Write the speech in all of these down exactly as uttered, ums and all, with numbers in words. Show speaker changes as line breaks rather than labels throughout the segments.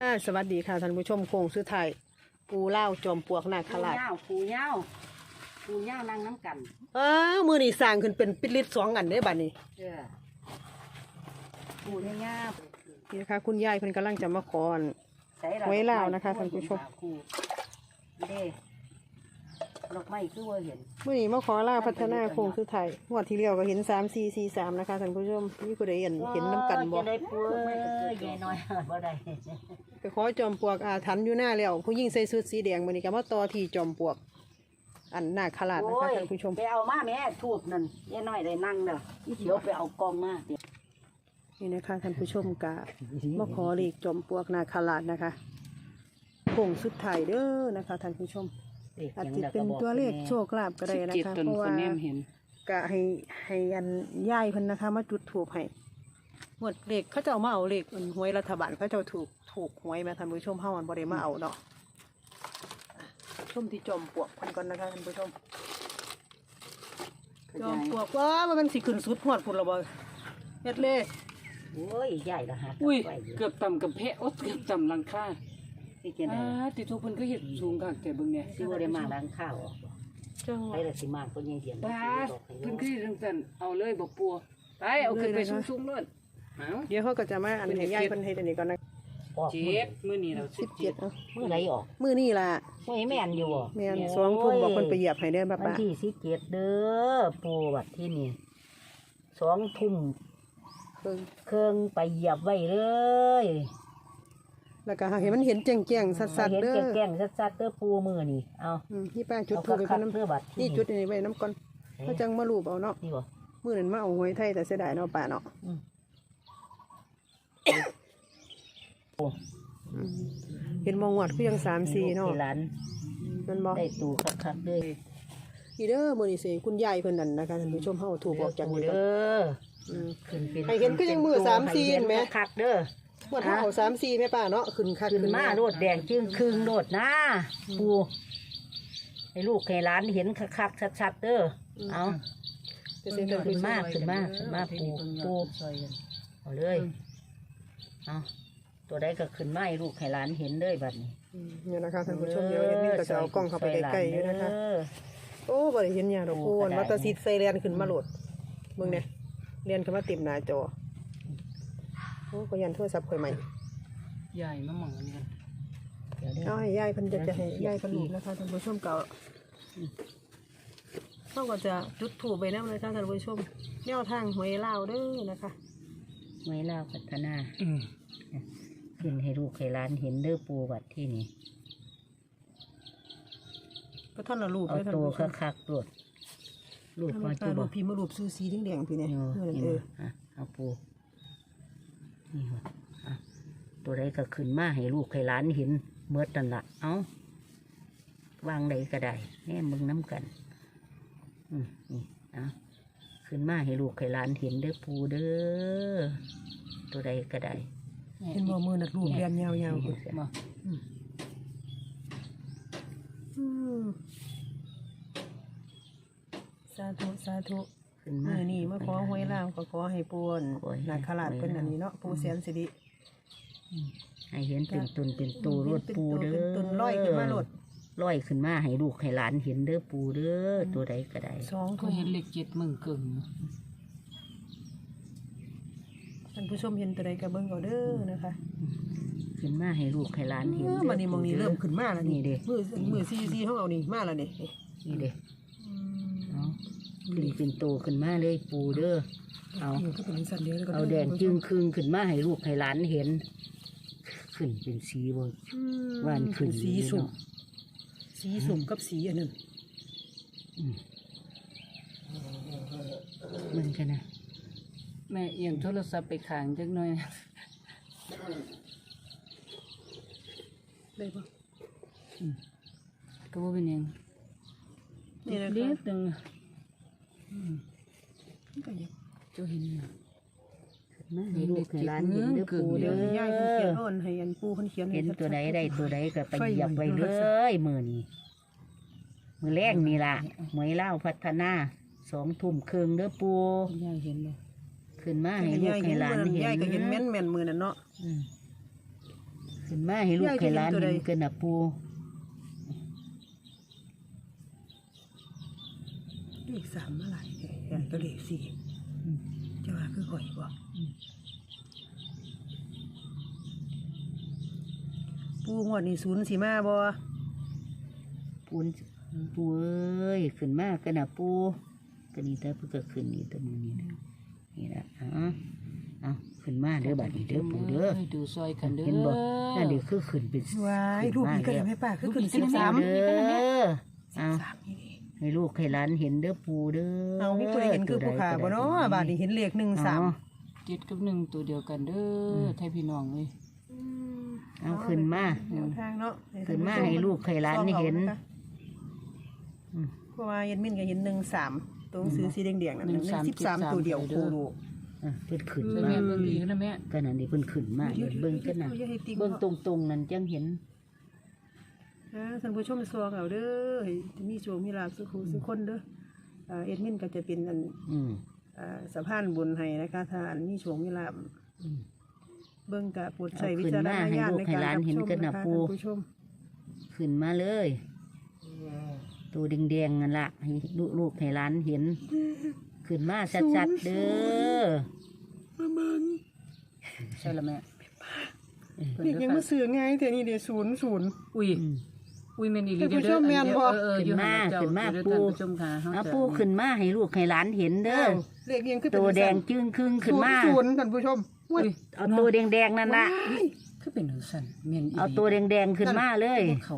สวัสดีค่ะท่านผู้ชมโค้งสุดท้ายปูเล่าจอมปลวกนาคราช
ปูเย้าปูเย้านั่งน้ำกัน
อ้าวมือนี่สร้างขึ้นเป็นปิดลิตสองอันได้บัดนี้
เออปูเย้า
นี่นะคะคุณยายเพิ่นกำลังจะมาขอ ไว้ลาวนะคะท่านผู้ชม
เด้ดอกไม้คือว่าเห็น
มือนี่มาขอล่าพัฒนาโค้งสุดท้ายงวดที่เลี้ยวก็เห็นสามสี่สี่สามนะคะท่านผู้ชมนี่ผู้ใดเห็นเห็นน้ำกันบ่
จะได้ปูเอ้ยยายน้อยบ่ได้
ไปขอจอมปลวกอาถรรพ์อยู่หน้าแล้วผู้ยิ่งใส่ชุดสีแดงมือนี่ก็มาต่อที่จอมปลวก อันนาคราชนะคะท่านผู้ชม
ไปเอามาแม่ทูบนั่นยายน้อยได้นั่งเด้ออีเขียวไปเอากองมา
นี่นะคะท่านผู้ชมกะมาขอเลขจอมปลวกนาคราชนะคะโค้งสุดท้ายเด้อนะคะท่านผู้ชมอาจจะเป็นตัวเลขโชคลาภก็ได้นะคะเพราะว่ากะให้ให้อันย่ายเพิ่นนะคะมาจุดถูกให้หมดเลขเขาเจ้ามาเอาเลขหวยรัฐบาลเขาเจ้าถูกถูกหวยมาท่านผู้ชมเฮามันบ่ได้มาเอาเนาะชมที่จอมปลวกเพิ่นก่อนนะคะท่านผู้ชมจอมปลวกว่ามันสิขึ้นสุดฮอดพุ่นละบ่เฮ็ดเลย
โอ้ยใหญ่ละฮะ
อุ้ยเกือบต่ำกับเพะโอ๊ตเกือบต่ำหลังคา
ที่เกิน
อ่าติทุกคนก็เห็นสูงกักแต่เบิ่งเนี่ย
ที่ว่าได้มาล้างข้าวออก
จังหวะ
ไอ้ละสิมากก็ยังเดียน
ป้าเพิ่นก็เห็นตั้งแต่เอาเลยบอกปัวไปเอาขึ้นไปสูงๆเลยเอา
เดี๋ยวเขาก็จะมาอันให้ย่ายเพิ่นเฮ็ดอันนี้ก่อนนะ
เจ็ดมื้อนี้เราสิ
สิ
บบ เจ็
เจ็
ด
ดเอ้า
เมื่อไรออก
มื้อนี้ล่ะ
เมื่อแม่นอยู่บ่
แม่นสองทุ่มบอกเพิ่นไปเหยียบให้เด้อป้า
วัน
ป้า
ที่สิบเจ็ดเด้อปูวัดที่นี่สองทุ่ม
เพิ่น
เครื่องไปเหยียบไว้เลย
แล้วก็ให้มันเห็นแจ้งๆสัดๆ
เห็น
เด้อ
แก่งๆชัดๆเด้อปูมือนี่เอา
อืมนี่ป้าจุด
เอา
ทูบไป
คั
เพิ่น
กๆ
น้ำ
เพื่อบัดที่
นี่จุดอันนี้ไว้น้ำก่อนเขาจังมารูปเอาเนาะ
นี่บ่
มื้อนั้นมาเอาหวยไทยแต่เสียดายเนาะป้าเนาะ
อืม
อืมเห็นมองวัดคือยังสามสี่เนาะ
ที่ร้าน
มันบ่
ได้ตูคักๆเลย
อีเด้อมื้อนี้สิคุณยายเพิ่นนั่นนะคะท่านผู้ชมเฮาถูกออกจาก
ปู
นี่
เด้อ
อืม
ขึ้นเป็น
ให้เห็นก็ยังมือสามสี่เห็นไหม
คักๆเด้อ
งวดเฮาเอาสามสี่แม่ป้าเนาะขึ้นคัก
ขึ้นมาโลดแดงจึงครึ่งโลดนะปูให้ลูกให้หลานเห็นคักๆชัดๆเด้อเอา
จะเสียแต่
ขึ้นมาขึ้นมาขึ้นมาปูปูเอาเลยเอาตัวใดก็ขึ้นมาให้ลูกให้หลานเห็นเลยบัดนี้
อืมเนี่ยนะคะท่านผู้ชมเดี๋ยวเอ็ดมินก็จะเอากล้องเข้าไปใกล้ๆอยู่นะคะ
เออ
โอ้บ่ได้เห็นหยังดอก
โอ้
โอน
ก็ได้
มาตาซีดใส่เรียนขึ้นมาโหลดเบิ่งเนี่ยเรียนขึ้นมาเต็มหน้าจอโอ้ก็ยันโทรศัพท์ข่อยใหม่
ใหญ่มาหมองกัน
เดี๋ยวเด้อ
เอาให้ยายเพิ่นจะจะให้ยายเพิ่นรูปนะคะท่านผู้ชมเก่าเฮาก็จะจุดธูปไปนำเลยค่ะท่านผู้ชมแนวทางหวยลาวเด้อนะคะ
ไว้เล่าพัฒนา
อืม
ขึ้นให้ลูกให้หลานเห็นเด้อปูบัดที่นี่
ก็ท่านละรูป
เอา
เลยท่าน
ตัว
ผู้ชม
คักๆโลดลูก
ท่าน
มา
ผู้ช
จุ
ม
บ
รูปพี่มารูปซูสีแดงๆพี่เนี่ย
เออ
เออ
นี่
เออ
อ่ะเอาปูนี่ว่ะอ่ะตัวใดก็ขึ้นมาให้ลูกให้หลานเห็นเมื่อตันละเอาวางใดก็ได้แน่มึงน้ำกัน อืมนี่เอาขึ้นมาให้ลูกให้หลานเห็นเด้อปูเด้อตัวใดก็ได้
เห็นบ่มือนัดรูปเรียนยาวๆ
นี่
พุ่น
บ่
อืมสาธุสาธุ
ขึ้น
มื
มา
อนี่มาขอหวยลาวก็ขอให้ปวน
ขอให้
นาคราชเป็นอันนี้เนาะปูแสนสิริ
ให้เห็นเป็นตนเป็นตัวรถปูเด้อ
เป็นต้นร้อยขึ้นมาโลด
ร้อยขึ้นมาให้ลูกให้หลานเห็นเด้อปูเด้อตัวใดก็ได้
สอง
ก็
ทุ่ม
เห็นเลขเจ็ดมึงเกิง
ท่านผู้ชมเห็นตัวใดก็เบิ่งเอาเด้อนะคะ
ขึ้นมาให้ลูกให้หลานเห็น
เออวันนี้มองนี้เริ่มขึ้นมาแล้วนี่
นี่เด้
มือมือซีซีเขาเอานี่มาแล้วนี่
นี่เด้เอาขึ้นเป็นโตขึ้นมาเลยปูเด้อเอา
นี่ก็เป็นสัตว์เดียวแล้วก็
เอาแดงจึงครึงขึ้นมาให้ลูกให้หลานเห็น ขึ้นเป็นสีบ่
อืม
ว่านขึ้น
สีสุ่มสีสุ่มกับสีอันนั้น
อืมมันกันนะ
แม่เอียงโทรศัพท์ไปขางจักหน่อย
ได้ปะ
ก็บ่เป็นหยัง
นี่นะ
เล็
คะ
กนึง
นี่ก็ยัง
เจ้าเห็นอยู่
ขึ้นมาให้ลูกให้หลานเห็นเด้อปู
เดี๋
เด้
ยวให้ยายเพิ่นเขียน
อ
อ่อนให้อันปูเพิ่นเขียนให้
เห็น
ชัๆ
ตัวใดได้ตัวใดก็ไปเหยียบไว้เลยมือนี้มือแรกนี่ล่ะหมวยเล่าพัฒนาสองทุ่มครึ่งเด้อปู
คุณยายเห็นบ่
ขึ้นมาให้ลูกให้หลานเห็น
ยายก็เห็นแม่นแม่นมือนั่นเนาะ
อืมขึ้นขึ้นมาให้ลูกให้หลานเห็นกันนะปู
เลขสามเมื่อไหร่ใหญ่ก็เลขสี่จะว่าคือข่อยบ่ปูงวดนี่ศูนย์สีมาบ่
ปูนปูเอ้ยขึ้นมากันนะปูก็นี่แต่เพิ่งก็ขึ้นนี่ตัวมือนี่นะนี่ละอ๋อเอาขึ้นมาเด้อบัดนี้เด้อปูเด้อ
ดูซอยกันเด้อ
เห็นบ่นั่นเดี๋ยวคือขึ้นเป็น
วายรูปนี้ก็ได้ไหมป้าคือขึ้นสิบสาม
เด้อเอา
สามนี่ดิ
ให้ลูกให้หลานเห็นเด้อปูเด้อ
เอาไม่เคยเห็นคือผู้ขาบ่เนาะบาดนี้เห็นเลขหนึ่งสาม
เจ็ดกับหนึ่งตัวเดียวกันเด้อไทยพี่น้องเลย
เอาขึ้นมา
แนวทางเนาะ
ขึ้นมาให้ลูกให้หลานเห็น
เพราะว่าเย็นมินก็เห็นหนึ่งสามตัวหนังสือสีแดงๆนั่นหนึ่งสิบสามตัวเดียวโคโล
อ่ะเพิ่นขึ้น
เลย
มา
แม่เบิ่งอีกนะแม่
ก็นั่นนี่เพิ่นขึ้นมาเดี๋ยวเบิ่งกันน่ะเบิ่งตรงๆนั่นจังเห็น
ท่านผู้ชมซองเอาเด้อจะมีโชคมีลาภสุขสุขคนเด้อเอ็ดมินก็จะเป็นอัน
อืม
สะพานบุญให้นะคะถ้าอันมีโชคมีลาภ
อืม
เบิ่งกะปวดใส่วิจารณญาณในการรับชมนะคะท่านผู้ชม
ขึ้นมาเลยตัวแดงๆนั่นล่ะให้ลูกๆให้หลานเห็น ขึ้นมาชัดๆเด้อ
ใช่ละแม่
เด็กยังมาซื้อง่ายแต่นี่เดี๋ยวศูนย์ศูนย์
อุ้ย
อืม
อุ้ยแม่นี่ลี
ท่านผู้ชมแม่นบ่
เออ
ขึ้นมาขึ้นมาปู
ชมค่ะ
เอาปูขึ้นมาให้ลูกให้หลานเห็นเด้อ
เลขยังคือ
ตัวแดงจึงครึ่งขึ้นมา
ศูนย์ท่านผู้ชม
อุ้ย
เอาตัวแดงๆนั่นน่ะ
คือเป็นหัวสันแม่น
เอาตัวแดงๆขึ้นมาเลย
เขา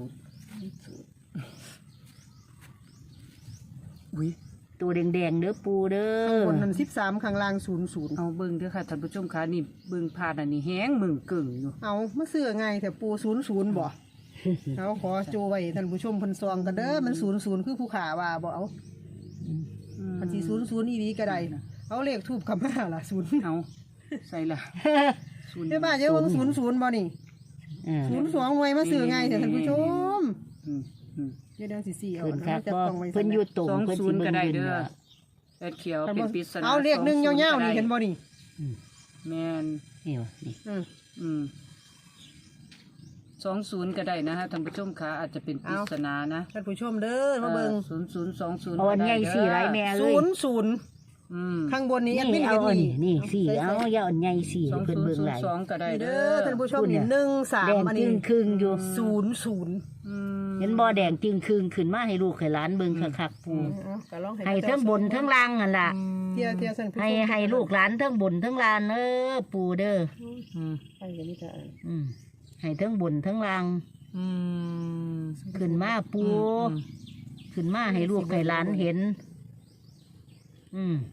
อุ้ย
ตัวแดงๆเด้อปูเด้
ข้าง
อบ
นนั้นสิบสามข้างล่างศูนย์ศูนย์
เอาเบิ่งเด้อค่ะท่านผู้ชมค่ะนี่เบิ่งผ่านอันนี้แห้งมึงกึ่งอยู่
เอามาซื้อง่ายแต่ปูศูนย์ศูนย์บ่เอาขอจูไว้ท่านผู้ชมเพิ่นซองกันเด้อมันศูนย์ศูนย์คือผู้ขาว่าบ่เอาอันที่ศูนย์ศูนย์อีหลีก็ได้เอาเลขทูบคำมาล่ะศูนย์
เอาใส่ละศูนย์
เดี๋ยวมาเดี๋ยวเบิ่งศูนย์ศูนย์บ่นี่
เออ
ศูนย์สองไว้มาซื้อง่ายแต่ท่านผู้ชม
อืมอืม
เดี๋ยวเดี๋ยวสิสี่เอา
ขึ้น
อัน
ครั
นั้
บ
นจะ
บ่
ต้องไว้
เพิ่นอยู่ตรง
สอง
เพิ่น
ศู
สิ
นย์
เบิ่
ก็
ง
ได้
เบิ่ง
เด้อ
น่ะ
แอดเขียวเป็นปริศนา
เอาเลขหนึ่งยาวๆนี่เห็นบ่นี่
แม่น
นี่ว่ะนี่
อืม
อืมสองศูนย์ก็ได้นะฮะท่านผู้ชมคะอาจจะเป็นปริศนานะ
ท่านผู้ชมเด้อมาเบิ่ง
ศูนย์ศูนย์สองศูนย์
เอาอันใหญ่สี่ไรแม่เอ้
ศู
ย
นย์ศูนย์
อืม
ข้างบนนี้แอดมิ
นี่
น
เอา
เห็น
อัน
นี่
นี้นี่สี่เอาอย่าอันใหญ่สี่
สอง
เพิ่น
ศูน
เบิ่
ย์
ง
ศูน
หลาย
ย์สองก็ได้
นี่
เด้
เด้อ
อ
ท่านผู้ชม
พูดเนี่
นี่
ย
หนึ่งสาม
แดง
อัน
จึ
นี้
งครึ่งอยู่
ศูนย์ศูนย์
อืม
เห็นบ่แดงจึงครึ่งขึ้นมาให้ลูกให้หลานเบิ่งคักๆปู
เอาก็ลอง
ให้ทั้งบนทั้งล่างนั่นล่ะ
เทียเทียท่านผู้ชม
ให้ให้ลูกหลานทั้งบนทั้งล่างเด้อปูเด้อ
อืม
ไปอย่างนี้จ้ะ
อืมให้ทั้งบนทั้งล่าง
อืม
ขึ้นมาปูขึ้นมาให้ลูกให้หลานเห็น อืม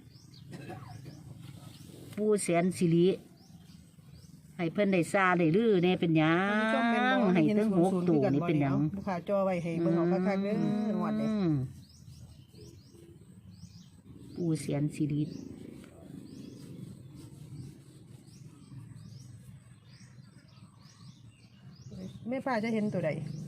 ปูแสนสิริให้เพิ่นได้ซาได้ลือเนี่ยเป็นหยั
ท่านผู้ชมเป็น
ง
บ่
ให้
เห็น
ทั้ง
ศู
ห
น
ก
ย์ศูนย์
ตัว
คือกัน
นี่
บ่
เป็นห
เนี่
ยั
ย
ง
ลูกค้าจอไว้ให้เบิ่งเอาคักๆเด้อหวดเลย
อืมปูแสนสิริ
แม่ป้าจะเห็นตัวใด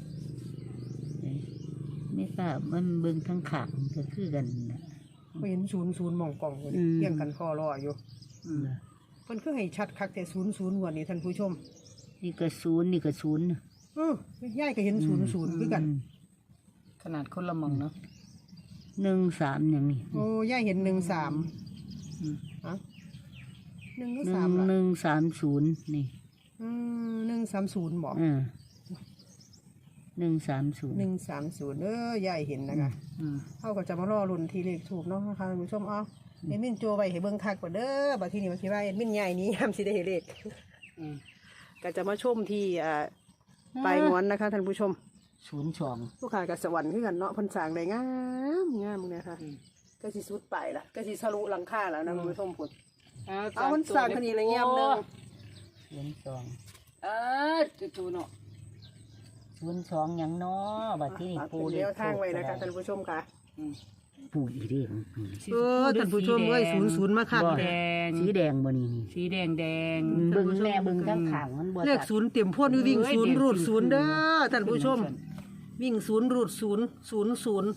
ไม่ทราบมันเบิ่งทั้งขางก็คือกันน่ะ
บ่เห็นศูนย์ศูนย์หม่องกล่องอยู่
อื
นี่
ม
เรียงกันคอรออยู่
อืม
เพิ่นคือให้ชัดคักแต่ศูนย์ศูนย์หวดนี่ท่านผู้ชม
นี่ก็ศูนย์นี่ก็ศูนย์
เออยายก็เห็นศูนย์ศูนย์คือกัน
อืม
ขนาดคนละหมองเนาะ
หนึ่งสามอย่างนี้
โอ้ยายเห็นหนึ่งสาม
อืม
ฮะหนึ่งหรือ
หนึ่
สาง มล่ะ
หนึ่งสามศูนย์นี่
อืมหนึ่งสามศูนย์บอก
อ่าหนึ่งสามศูนย์
หนึ่งสามศูนย์เออยายเห็นนะคะ
อืม
เขาก็จะมารอรุ่นทีเลขถูกเนาะนะคะท่านผู้ชมเอาเอ็ดมินโจไว้ให้เบิ่งคักกว่าเด้อบัดทีนี้มันคิดว่าเอ็ดมินใหญ่นี้ยามสิได้เห็นเลข
อืม
ก็จะมาชมที่อ่าปลายงอนนะคะท่านผู้ชม
ศูนย์สอง
ลูกค้ากับสวรรค์คือกันเนาะเพันสร้างได้งามงามเนี่ยค่ะก็สิสุดไปละก็สิทะลุหลังคาแล้วนะท่านผู้ชมพุ่นเอามันสร้างคดีอะไรเงี้ยนึง
ศูนย์สอง
เออจู่ๆเนาะ
ศูนย์สองอย่างน้อบัดที่นี่
ฝาก
ปู
เป็นเลี้ยวทางไว้นะคะท่านผู้ชมค่ะ
อืม
ปูอีเด้ง
เออท่านผู้ชมเอ้ยศูนย์ศูนย์มาคัก
แด
เลย
ง
สีแดงบ่นี่นี่
สีแดงแดง
เบิ่งแม่เบิ่งทั้งขางมันบ่
เลข
ตัด
ศูนย์เต็มพ่นวิ่งศูนย์รูดศูนย์เด้อท่านผู้ชม วิ่งศูนย์รูดศูนย์ศูนย์ศูนย์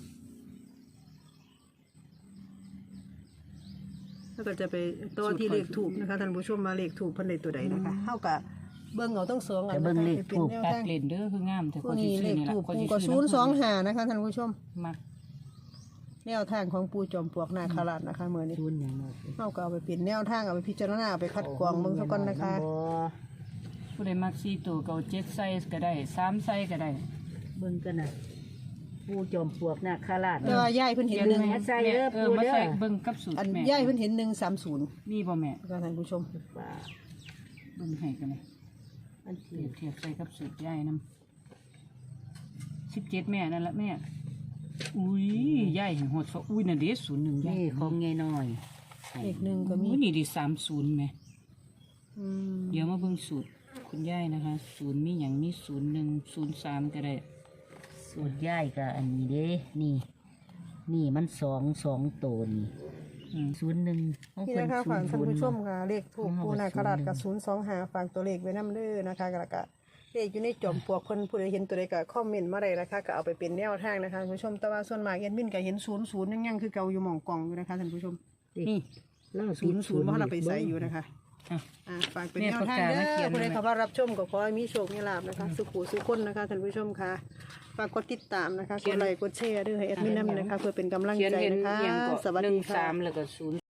แล้วก็จะไปตัวที่เลขถูกนะคะท่านผู้ชมมาเลขถูกเพันใดตัวใดนะคะเท่ากับเบิ่งเอาทั้งสองอัน
แต่เบิ่งเลข
นะคะ
ทูป
เป็นแนว
ตัด
ทาง
เลนเด้อคืองามแต่
พ
ค
วก
นที่
นี้
ซื้
เล
อ
ข
นี่ล่ะ
ถูก
คนที่
ก็
ซื้
ศู
อน
ย์สองห้านะคะท่านผู้ชม
มัก
แนวทางของปู่จอมปลวกนาคราชนะคะมื้อนี้
ศูนย์หยังเนาะ
เฮาก็เอาไปเป็นแนวทางเอาไปพิจารณาเอาไปคัดกรองเบิ่งซะก่อนนะคะ
บ่
ผู้ใดมักสี่ตัวก็เอาเจ็ดไซส์ก็ได้สามไซส์ก็ได้
เบิ่งกันน่ะผู้จอมปลวกนาคราช
แต่ว่ายายเพิ่นเห็นหนึ่ง
แม่ใส่เด้อ
เออ
ปู
มา
เด้อ
ใส่เบิ่งกับสูตร
อัน
แม่
ยายเพิ่นเห็นหนึ่งสามศูนย์
มีบ่แม่
นะคะท่านผู้ชม
ว่า
เบิ่งให้กันเลย
อัน
เปรี
ที่
ยบเทียบใส่กับสูตรยายนำสิบเจ็ดแม่นั่นละแม่อุ้ยยายเห็นหดซะอุ้ยน่ะเด้ศูนย์หนึ่งยาย
นี่ของไงน้อย
เลขหนึ่งก็มี
อุ้ยนี่ดิสามศูนย์แม่
อืม
เดี๋ยวมาเบิ่งสูตรคุณยายนะคะศูนย์มีหยังมีศูนย์หนึ่งศูนย์สามก็ได้
สูตรย่ายก็อันนี้เด้นี่ นี่มันสองสองตัวนี่
อืม
ศูนย์หนึ่งของ
นี่
เพิ่น
นะคะ
ศู
ฝาน ก
ย์
ท่าน
ศูนย์
ผู้ชมค่ะเลขถูก
ของเรา
ปู่นาคราชกับศูนย์สองห้าฝากตัวเลขไว้นำเด้อนะคะแล้วก็เลขอยู่ในจอมปลวกเพิ่นผู้ใดเห็นตัวใดก็คอมเมนต์มาได้นะคะก็เอาไปเป็นแนวทางนะคะท่านผู้ชมแต่ว่าส่วนมากแอดมินก็เห็นศูนย์ศูนย์ยังยังคือเก่าอยู่หม่องกล่องอยู่นะคะท่านผู้ชม
นี่
เล่า
ศูนย์ศูนย์ว่าเราไปใส่อยู่นะคะ
อ่ะ
อ่าฝากเป็น
แม่
แนวทาง
ปากกา
เด้
มาเขีย
อน ผู้ใด
ไว้ไหม
เข้ามารับชมก็ขอให้มีโชคมีลาภนะคะ สุขุสุขคนนะคะท่านผู้ชมค่ะฝากกดติดตามนะคะกดไลค์กดแชร์ด้วยให้แอดมินนำนะคะเพื่อเป็นกำลัง
เขียน
ใจ
เห็น
นะคะ
เอียงก็
สวัส
หนึ่
ดี
ง
ค่ะ
สามแล้วก็ศูนย์